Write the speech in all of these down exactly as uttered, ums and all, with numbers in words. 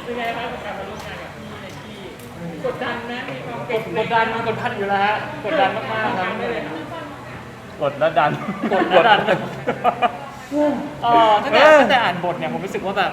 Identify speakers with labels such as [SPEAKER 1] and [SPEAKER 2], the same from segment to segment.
[SPEAKER 1] เป็นไงครับกับการมาร่วมงานกับพี่ไนกี้กดดันนะมีความ
[SPEAKER 2] กดกดดันมันกดดันอยู่แล้วฮะกดดันมากๆครับ
[SPEAKER 1] ได้เลยครับ
[SPEAKER 3] กดแล้วดัน
[SPEAKER 2] กดแล้วดันเออตั้งแต่ตั้งแต่อ่านบทเนี่ยผมรู้สึกว่าแบบ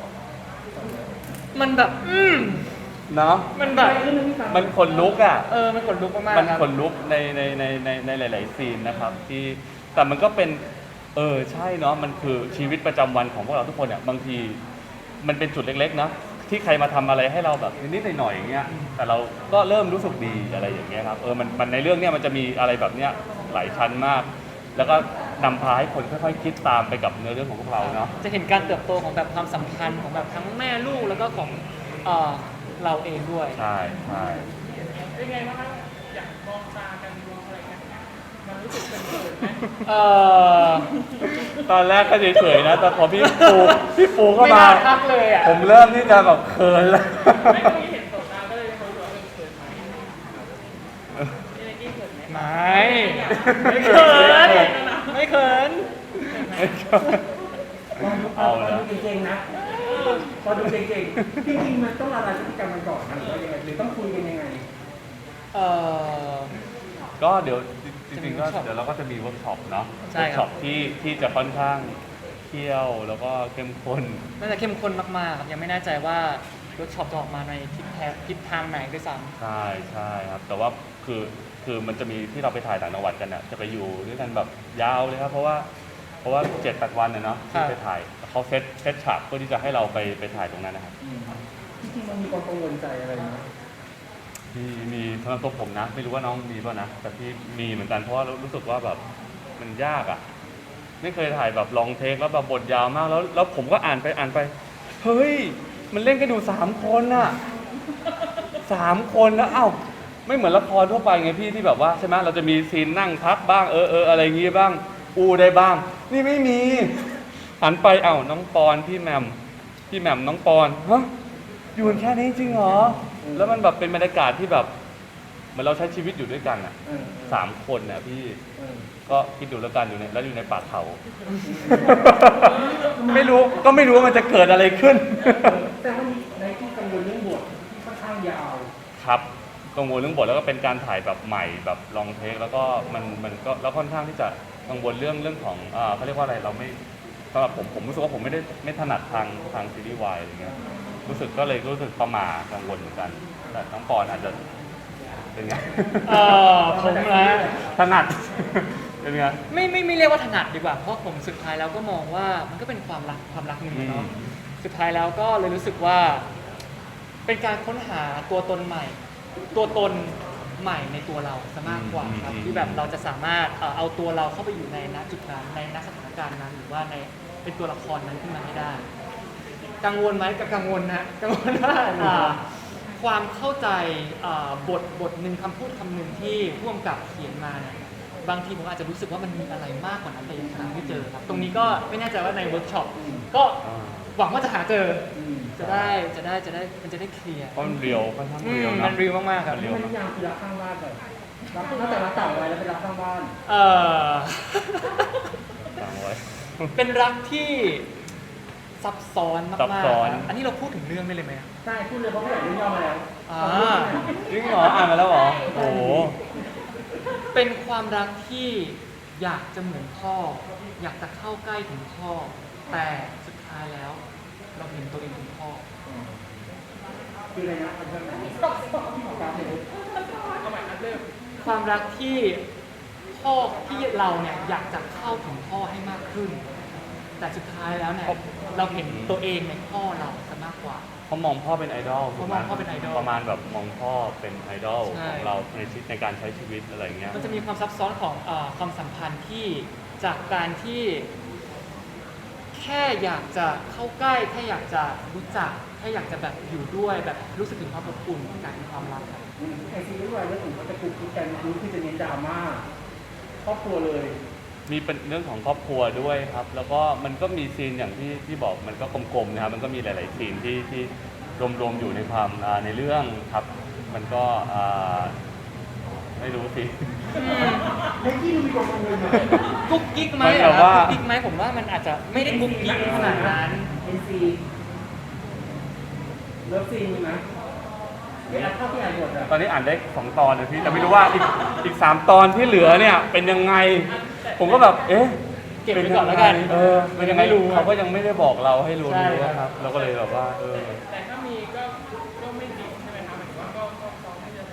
[SPEAKER 2] มันแบบ อืม
[SPEAKER 3] เนาะ
[SPEAKER 2] มันแบบ
[SPEAKER 3] มันขนลุกอ่ะ
[SPEAKER 2] เออมันขนลุกมาก
[SPEAKER 3] มัน
[SPEAKER 2] ๆครับ
[SPEAKER 3] ขนลุกในในในในในหลาย ๆ ซีนนะครับที่แต่มันก็เป็นเออใช่เนาะมันคือชีวิตประจำวันของพวกเราทุกคนเนี่ยบางทีมันเป็นจุดเล็ก ๆ นะที่ใครมาทำอะไรให้เราแบบนิดๆหน่อยๆอย่างเงี้ยแต่เราก็เริ่มรู้สึกดีอะไรอย่างเงี้ยครับเออมันมันในเรื่องเนี้ยมันจะมีอะไรแบบเนี้ยหลายชั้นมาก แล้วก็นำพาให้คนค่อยๆคิดตามไปกับเนื้อเรื่องของพวกเราเนาะ
[SPEAKER 2] จะเห็นการเติบโตของแบบความสัมพันธ์ของแบบทั้งแม่ลูกแล้วก็ของเอ่อเราเองด้วย
[SPEAKER 3] ใช่ใช่
[SPEAKER 1] เป็นไงบ้างครับอยากมองตากันมองอะไรกันมันรู้สึกเป็นเขินไหม
[SPEAKER 2] เออ
[SPEAKER 3] ตอนแรกก็เฉยๆนะแต่พอพี่ปูพี่ปูเข้า
[SPEAKER 2] ไม่
[SPEAKER 3] มา
[SPEAKER 2] น่าทักเลยอ่ะ
[SPEAKER 3] ผมเริ่มที่จะแบบเขินแล้ว
[SPEAKER 1] ไม่ก็มีเห็นสบตาก็เลยเขารู้ว่าเป็นเขินไหมพี่ไนกี้เขินไหม
[SPEAKER 2] ไม่ไม่เขินไม่เขิน
[SPEAKER 3] เอาแล้ว
[SPEAKER 4] ดูเก่งๆนะพอดูเก่งๆจริงๆมันต้องละลายพฤติกรรมกันก่อนนะหรือว่ายังไงหรือต้องคุยกันยังไง
[SPEAKER 2] เออ
[SPEAKER 3] ก็เดี๋ยวจริงๆก็เดี๋ยวเราก็จะมีเวิร์กช็อปเนาะ
[SPEAKER 2] ใช่
[SPEAKER 3] เวิร์ก
[SPEAKER 2] ครั
[SPEAKER 3] ช็อบ ปที่ที่จะค่อนข้างเที่ยวแล้วก็เข้มข้น
[SPEAKER 2] น่าจะเข้มข้นมากๆครับยังไม่แน่ใจว่าเวิร์กช็อปจะออกมาในทิศแทงทิศทางไหนด้วยซ้
[SPEAKER 3] ใช่ใช่ครับแต่ว่าคือคือมันจะมีที่เราไปถ่ายต่างจังหวัดกันอ่ะจะไปอยู่ด้วยกันแบบยาวเลยครับเพราะว่าเพราะว่าเจ็ดแปดวันเนี่ยเนาะที่ไปถ่ายเขาเซตเซตฉากเพื่อที่จะให้เราไปไปถ่ายตรงนั้นนะครับ
[SPEAKER 4] จริงๆมันมีความกังวลใจอะไรไหม
[SPEAKER 3] มีมีสำหรับตัวผมนะ ไม่รู้ว่าน้องมีป่ะนะแต่พี่มีเหมือนกันเพราะว่ารู้สึกว่าแบบมันยากอ่ะไม่เคยถ่ายแบบลองเทคแล้วแบบบทยาวมากแล้วแล้วผมก็อ่านไปอ่านไปเฮ้ยมันเล่นกันอยู่สามคนอ่ะสามคนนะอ้าวไม่เหมือนละครทั่วไปไงพี่ที่แบบว่าใช่ไหมเราจะมีซีนนั่งพักบ้างเออเอออะไรอย่างงี้บ้างอูได้บ้าง นี่ไม่มีหันไปเอ้าน้องปอนพี่แหม่มพี่แหม่มน้องปอนฮะอยู่กันแค่นี้จริงเหรอแล้วมันแบบเป็นบรรยากาศที่แบบเหมือนเราใช้ชีวิตอยู่ด้วยกันอ่ะ
[SPEAKER 4] เออ
[SPEAKER 3] สามคนเนี่ยพี่
[SPEAKER 4] เออ
[SPEAKER 3] ก็คิดดูแล้วกันอยู่ในแล้วอยู่ในป่าเขา ไม่รู้ก็ไม่รู้ว่ามันจะเกิดอะไรขึ้น
[SPEAKER 4] แต่ว่าในที่กังวลเรื่องบทที่ค่อนข้างยาว
[SPEAKER 3] ครับกังวลเรื่องบทแล้วก็เป็นการถ่ายแบบใหม่แบบลองเทคแล้วก็มันมันก็แล้วค่อนข้างที่จะกังวลเรื่องเรื่องของอ่าเขาเรียกว่าอะไรเราไม่สำหรับผมผมรู้สึกว่าผมไม่ได้ไม่ถนัดทางทางซีรีส์วายอะไรเงี้ยรู้สึกก็เลยรู้สึกประหม่ากังวลเหมือนกันแต่น้องปอนอาจจะเป็นไง
[SPEAKER 2] ำเออผมนะ
[SPEAKER 3] ถนัด เป็นไง
[SPEAKER 2] ไม่ไม่ไม่เรียกว่าถนัดดีกว่าเพราะผมสุดท้ายแล้วก็มองว่ามันก็เป็นความรักความรักหนึ่งอะเนาะ
[SPEAKER 3] อืม
[SPEAKER 2] สุดท้ายแล้วก็เลยรู้สึกว่า เป็นการค้นหาตัวตนใหม่ ตัวตนใหม่ในตัวเราซะมากกว่าครับที่แบบเราจะสามารถเอ่อเอาตัวเราเข้าไปอยู่ในณจุดนั้นในณสถานการณ์นั้น หรือว่าในเป็นตัวละครนั้นขึ้นมาให้ได้ กังวลไหมกับกังวลนะกังวลว่าอ่าความเข้าใจอ่าบทบทหนึ่งคำพูดคำหนึ่งที่ผู้กำกับเขียนมาเนี่ยบางทีผมอาจจะรู้สึกว่ามันมีอะไรมากกว่านั้นแต่ยังหาไม่เจอครับ ตรงนี้ก็ไม่แน่ใจว่าในเวิร์กช็อปก็
[SPEAKER 3] อ่า
[SPEAKER 2] หวังว่าจะหาเจอ
[SPEAKER 4] อืม
[SPEAKER 2] จะได้จะได้จะได้มันจะได้เคลียร์
[SPEAKER 3] เพราะมันเรียวค่อนข้าง
[SPEAKER 2] อื
[SPEAKER 3] เรียว
[SPEAKER 2] ม
[SPEAKER 3] นะ
[SPEAKER 2] มันรีวมากๆครับ
[SPEAKER 3] มันเรี
[SPEAKER 4] มันนิยามคือรักข้างบ้านเลยรักตั้งแต่รักต่างวัยแล้วเป็นรักข้างบ้าน
[SPEAKER 2] เออ
[SPEAKER 3] ฟังไว้
[SPEAKER 2] เป็นรักที่ซับซ้อนมากๆ
[SPEAKER 3] ซับซ้อน
[SPEAKER 2] ครับอันนี้เราพูดถึงเรื่องได้เลยไหมครับ
[SPEAKER 4] ใช่พูดเลยเพราะผู้ใหญ่เรื่องย่อมาแล้ว
[SPEAKER 2] อ่า
[SPEAKER 3] จริงเหรออ่านมาแล้วเหรอโอ้โห
[SPEAKER 2] เป็นความรักที่อยากจะเหมือนพ่อ อยากจะเข้าใกล้ถึงพ่อ แต่สุดท้ายแล้ว เราเห็นตัวเองเป็นพ่อ
[SPEAKER 4] คืออะไรนะมันจะที่ของการเลย
[SPEAKER 1] เอาใหม่อันเริ่ม
[SPEAKER 2] ความรักที่พ่อที่เราเนี่ยอยากจะเข้าถึงพ่อให้มากขึ้น แต่สุดท้ายแล้วเนี่ยเราเห็นตัวเองในพ่อเราซะมากกว่า
[SPEAKER 3] เขามองพ่อเป็นไอดอลถูกไห
[SPEAKER 2] เขามองพ่อเป็นไอดอล
[SPEAKER 3] ประมาณแบบมองพ่อเป็นไอดอล
[SPEAKER 2] ใช่
[SPEAKER 3] ของเราในชีวิตในการใช้ชีวิตอะไรอย่างเงี้ย
[SPEAKER 2] มันจะมีความซับซ้อนของเออความสัมพันธ์ที่จากการที่ แค่อยากจะเข้าใกล้แค่อยากจะรู้จักแค่อยากจะแบบอยู่ด้วยแบบรู้สึกถึงความอบอุ่นกลายเป็นความรักครับ
[SPEAKER 4] ไอซีรีส์วายเรื่องอื่นก็จะคุกคิดกันรู้ที่จะเน้นดราม่าครอบครัวเลย
[SPEAKER 3] มีเป็นเรื่องของครอบครัวด้วยครับ แล้วก็มันก็มีซีนอย่างที่ที่บอกมันก็กลมๆนะครับ มันก็มีหลาย ๆ ซีนที่ที่รวมๆอยู่ในความอ่าในเรื่องครับ มันก็อ่าไม่รู้สิ
[SPEAKER 4] ไอ้ที่มีความกังวลไหม
[SPEAKER 2] กุ๊กกิ๊กไหม
[SPEAKER 3] มันแบ
[SPEAKER 2] อะ
[SPEAKER 3] บ
[SPEAKER 2] ครับ
[SPEAKER 3] ว่า
[SPEAKER 2] กุ๊กกิ๊กไหมผมว่ามันอาจจะไม่ได้กุ๊กกิ๊กขนาดนั้น
[SPEAKER 4] เอ็นซีเลิฟซีนมีไหมเนี่ยเท่าที่อ่านบทอะ
[SPEAKER 3] ตอนนี้อ่านได้สองตอนนะพี่แต่ไม่รู้ว่าอีกอีกสามตอนที่เหลือเนี่ยเป็นยังไง ผมก็แบบเอ๊ะ
[SPEAKER 2] เก็บไว้ก่อนแล้วกัน
[SPEAKER 3] เออเป็นยังไง
[SPEAKER 2] ไม่รู้
[SPEAKER 3] เขาก็ยังไม่ได้บอกเราให้รู้
[SPEAKER 2] ใช่
[SPEAKER 3] รู้
[SPEAKER 2] ครับ
[SPEAKER 3] ครับเราก็เลยแบบว่าเออ
[SPEAKER 1] แต่ถ้ามีก็ก็ไม่ดีใช่ไหมครับหมายถึงว่าก็ก็พร้อมที่จะ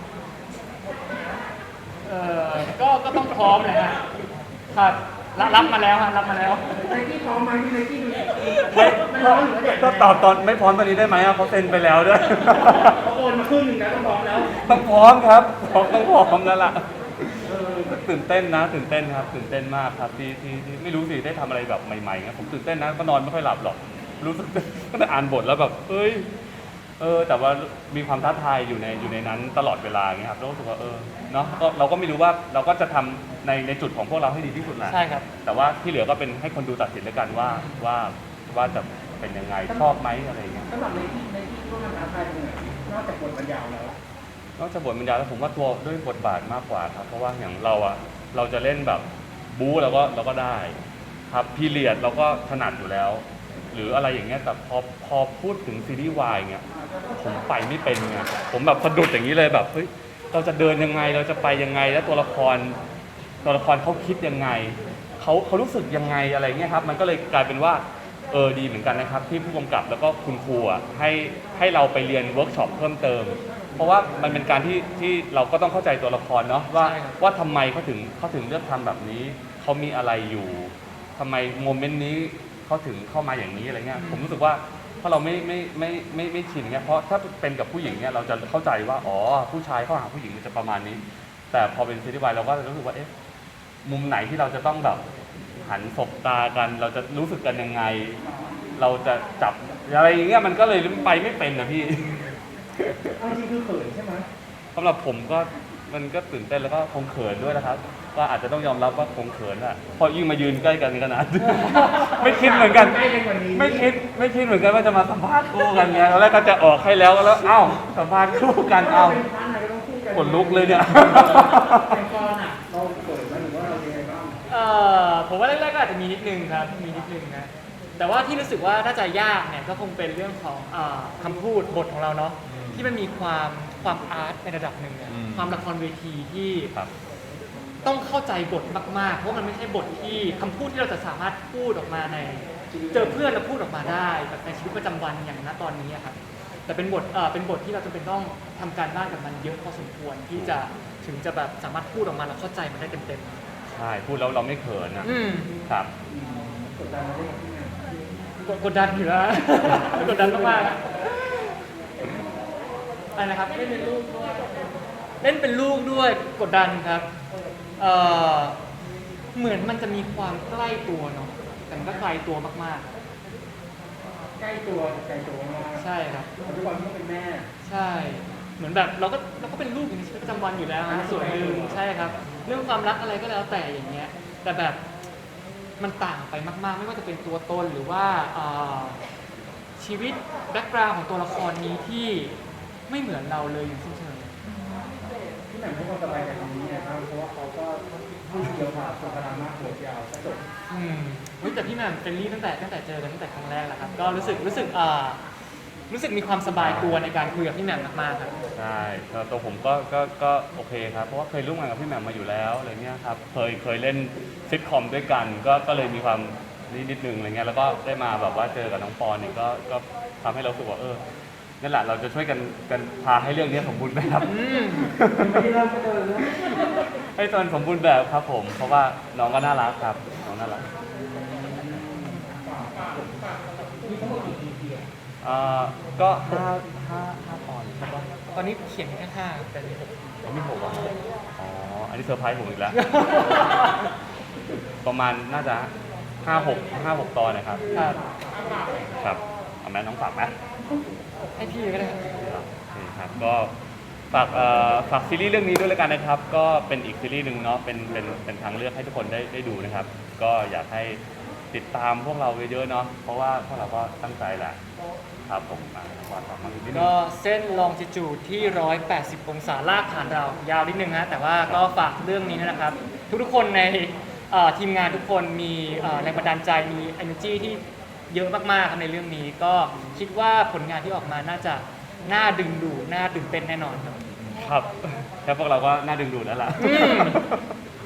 [SPEAKER 2] เออก็ก็ต้องพร้อมเลยฮะครับรับรับมาแล้วฮะรับมาแล้ว
[SPEAKER 4] ไนกี้พร้อมไหมที่ไนกี้ดู
[SPEAKER 3] ไม่
[SPEAKER 4] มันร้อนหรือว่าเด็ก
[SPEAKER 3] ก็ตอบตอนไม่พร้อมตอนนี้ได้ไหมอะเขาเซ็นไปแล้วด้วย
[SPEAKER 4] เขาโอนมาครึ่งหนึ่งแล้วต้องพร้อมแล้ว
[SPEAKER 3] ต้องพร้อมครับต้องต้องพร้อมแล้วล่ะเออตื่นเต้นนะตื่นเต้นครับตื่นเต้นมากครับที่ที่ที่ไม่รู้สิได้ทำอะไรแบบใหม่ๆนะผมตื่นเต้นนะก็นอนไม่ค่อยหลับหรอกรู้สึกก็ได้อ่านบทแล้วแบบเอ้ยเออแต่ว่ามีความท้าทายอยู่ในอยู่ในนั้นตลอดเวลาอย่างเงี้ยครับแล้วรู้สึกว่าเออเนาะก็เราก็ไม่รู้ว่าเราก็จะทำในในจุดของพวกเราให้ดีที่สุดแหละ
[SPEAKER 2] ใช่ครับ
[SPEAKER 3] แต่ว่าที่เหลือก็เป็นให้คนดูตัดสินแล้วกันว่าว่าว่าจะเป็นยังไงชอบไหมอะไรอย่างเงี้ย
[SPEAKER 4] สำหรับไนกี้ไนกี้ว่ามันท้าทายตรงไหนนอกจากบทมันยาวแล้ว
[SPEAKER 3] นอกจากบทบรรยายแล้วผมว่าตัวด้วยบทบาทมากกว่าครับเพราะว่าอย่างเราอะเราจะเล่นแบบบู๊เราก็เราก็ได้ครับพีเรียดเราก็ถนัดอยู่แล้ว หรืออะไรอย่างเงี้ยแต่พอพอพูดถึงซีรีส์วายเงี้ยผมไปไม่เป็นไงผมแบบสะดุดอย่างนี้เลยแบบเฮ้ยเราจะเดินยังไงเราจะไปยังไงแล้วตัวละครตัวละครเขาคิดยังไงเขาเขารู้สึกยังไงอะไรเงี้ยครับมันก็เลยกลายเป็นว่าเออดีเหมือนกันนะครับที่ผู้กำกับแล้วก็คุณครูอ่ะให้ให้เราไปเรียนเวิร์กช็อปเพิ่มเติม เพราะว่ามันเป็นการที่ที่เราก็ต้องเข้าใจตัวละครเนาะว่า
[SPEAKER 2] ใช่ครับ
[SPEAKER 3] ว่าทำไมเขาถึงเขาถึงเลือกทำแบบนี้เขามีอะไรอยู่ทำไมโมเมนต์นี้เขาถึงเข้ามาอย่างนี้อะไรเงี้ยผมรู้สึกว่าถ้าเราไม่ไม่ไม่ไม่ไม่ชินเงี้ยเพราะถ้าเป็นกับผู้หญิงเนี่ยเราจะเข้าใจว่าอ๋อผู้ชายเข้าหาผู้หญิงมันจะประมาณนี้ แต่พอเป็นซีรีส์วายเราก็จะรู้สึกว่าเอ๊ะมุมไหนที่เราจะต้องแบบหันสบตากัน เราจะรู้สึกกันยังไง เราจะจับอะไรอย่างเงี้ยมันก็เลยไปไม่เป็นนะพี่
[SPEAKER 4] เอาจริงคือเขินใช่ไหม
[SPEAKER 3] สำหรับผมก็มันก็ตื่นเต้นแล้วก็คงเขินด้วยนะครับก็อาจจะต้องยอมรับว่าคงเขินอะพอยิ่งมายืนใกล้กันขนาด ไม่คิดเหมือนกัน
[SPEAKER 4] ใกล้กันกว่านี้
[SPEAKER 3] ไม่คิดไม่คิดเหมือนกันว่าจะมาสัมภาษณ์คู่กันไงตอนแรกก็จะออกให้แล้วแล้วเอ้าสัมภาษณ์คู่กันเอ้า
[SPEAKER 4] เป็นพาร์ทไหนก็ต้องคู่กัน
[SPEAKER 3] ขนลุกเลยเนี่ย
[SPEAKER 4] เป็นกรอ่ะเราเขินไหมหรือว่าเราเป็นไงบ้าง
[SPEAKER 2] เอ่อผมว่าแรกๆก็อาจจะมีนิดนึงครับมีนิดนึงนะแต่ว่าที่รู้สึกว่าน่าจะยากเนี่ยก็คงเป็นเรื่องของเอ่อคำพูดบทของเราเนาะที่มันมีความความอาร์ตในระดับหนึ่งอะ
[SPEAKER 3] อืม
[SPEAKER 2] ความละครเวทีที่
[SPEAKER 3] ครับ
[SPEAKER 2] ต้องเข้าใจบทมากๆ เพราะมันไม่ใช่บทที่คำพูดที่เราจะสามารถพูดออกมาใน เจอเพื่อนแล้วพูดออกมาได้แบบในชีวิตประจำวันอย่างณตอนนี้อะครับแต่เป็นบทเอ่อเป็นบทที่เราจำเป็นต้องทำการบ้านกับมันเยอะพอสมควรที่จะถึงจะแบบสามารถพูดออกมาแล้วเข้าใจมันได้เต็ม
[SPEAKER 3] ใช่พูดแล้วเราไม่เขินนะ
[SPEAKER 2] ๆอืม
[SPEAKER 3] ครับ
[SPEAKER 4] กดดันมาได้ยังไง
[SPEAKER 2] กดกดดันอยู่แล้ว กดดันมากๆอะไรนะครับเล่นเป็นลูกด้วยเล่นเป็นลูกด้วยกดดันครับเอ่อเหมือนมันจะมีความใกล้ตัวเนาะแต่มันก็ไกลตัวมาก
[SPEAKER 4] ใกล้ตัวไกลตัวมาก
[SPEAKER 2] ๆ ใช่ครับ
[SPEAKER 4] ปัจจุบันก็เป็นแม่
[SPEAKER 2] ใช่ เหมือนแบบเราก็เราก็เป็นลูกอยู่ในชีวิตประจำวันอยู่แล้วนะส่วนหนึ่งใช่ครับ เรื่องความรักอะไรก็แล้วแต่อย่างเงี้ย แต่แบบมันต่างไปมากๆ ไม่ว่าจะเป็นตัวตนหรือว่าเอ่อชีวิตแบ็กกราวด์ของตัวละครนี้ที่ไม่เหมือนเราเลยอย่างสิ้นเชิง
[SPEAKER 4] ที่ไหนให้ความสบายใจตรงนี้นะครับเพราะว่าเขาก็พูดเดียวผ่าส่วนพลังมากโหดยาวกระจบ
[SPEAKER 2] อืมเฮ้ยแต่พี่แหม่มเฟรนลี่ตั้งแต่ตั้งแต่เจอกันตั้งแต่ครั้งแรกแล้วครับ ก็รู้สึกรู้สึกอ่ารู้สึกมีความสบายตัวในการคุยกับพี่แหม่มมากๆครับ
[SPEAKER 3] ใช่แล้วตัวผมก็ก็ก็โอเคครับ เพราะว่าเคยร่วมงานกับพี่แหม่มมาอยู่แล้วอะไรเงี้ยครับ เคยเคยเล่นซิทคอมด้วยกัน ก็ก็เลยมีความนิดนิดนึงอะไรเงี้ย แล้วก็ได้มาแบบว่าเจอกับน้องปอนเนี่ยก็ก็ทำให้เรารู้สึกว่าเออ นั่นแหละเราจะช่วยกันกันพาให้เรื่องนี้สมบูรณ์แบบ
[SPEAKER 2] อืม
[SPEAKER 4] ไม่ได้เริ่มก็เดินแล้ว
[SPEAKER 3] ให้ตอนสมบูรณ์แบบครับผม เพราะว่าน้องก็น่ารักครับ น้องน่ารัก
[SPEAKER 4] มีทั้งหมดกี่ อี พี อ่ะ
[SPEAKER 3] อ่าก็ห้าห้าห้าตอนใช่ปะ
[SPEAKER 2] ตอนนี้เขียนแค่ห้าแต่มีหก
[SPEAKER 3] ยังไม่หกอ่ะอ๋อ อันนี้เซอร์ไพรส์ผมอีกแล้ว ประมาณน่าจะห้าหกห้าหกตอนนะครับ
[SPEAKER 2] ครับ
[SPEAKER 3] ครับเอาแม่น้องฝากไหม
[SPEAKER 2] ให้พี่ก็ได้ครับ
[SPEAKER 3] โอเคครับก็ฝากเอ่อฝากซีรีส์เรื่องนี้ด้วยแล้วกันนะครับ ก็เป็นอีกซีรีส์หนึ่งเนาะเป็นเป็นเป็นทางเลือกให้ทุกคนได้ได้ดูนะครับ ก็อยากให้ติดตามพวกเราเยอะๆเนาะเพราะว่าพวกเราก็ตั้งใจแหละครับผมอ่ะวาดฝากมานิดนึง
[SPEAKER 2] ก็เส้นลองจิจูดที่หนึ่งร้อยแปดสิบองศาลากผ่านเรายาวนิดนึงฮะแต่ว่าก็ฝากเรื่องนี้นะครับ ทุกๆคนในเอ่อทีมงานทุกคนมีเอ่อแรงบันดาลใจมี energy ที่เยอะมากๆครับในเรื่องนี้ก็คิดว่าผลงานที่ออกมาน่าจะน่าดึงดูดน่าตื่นเต้นแน่นอนครับ
[SPEAKER 3] ครับแค่พวกเราก็น่าดึงดูดแล้วล่ะ
[SPEAKER 2] อืม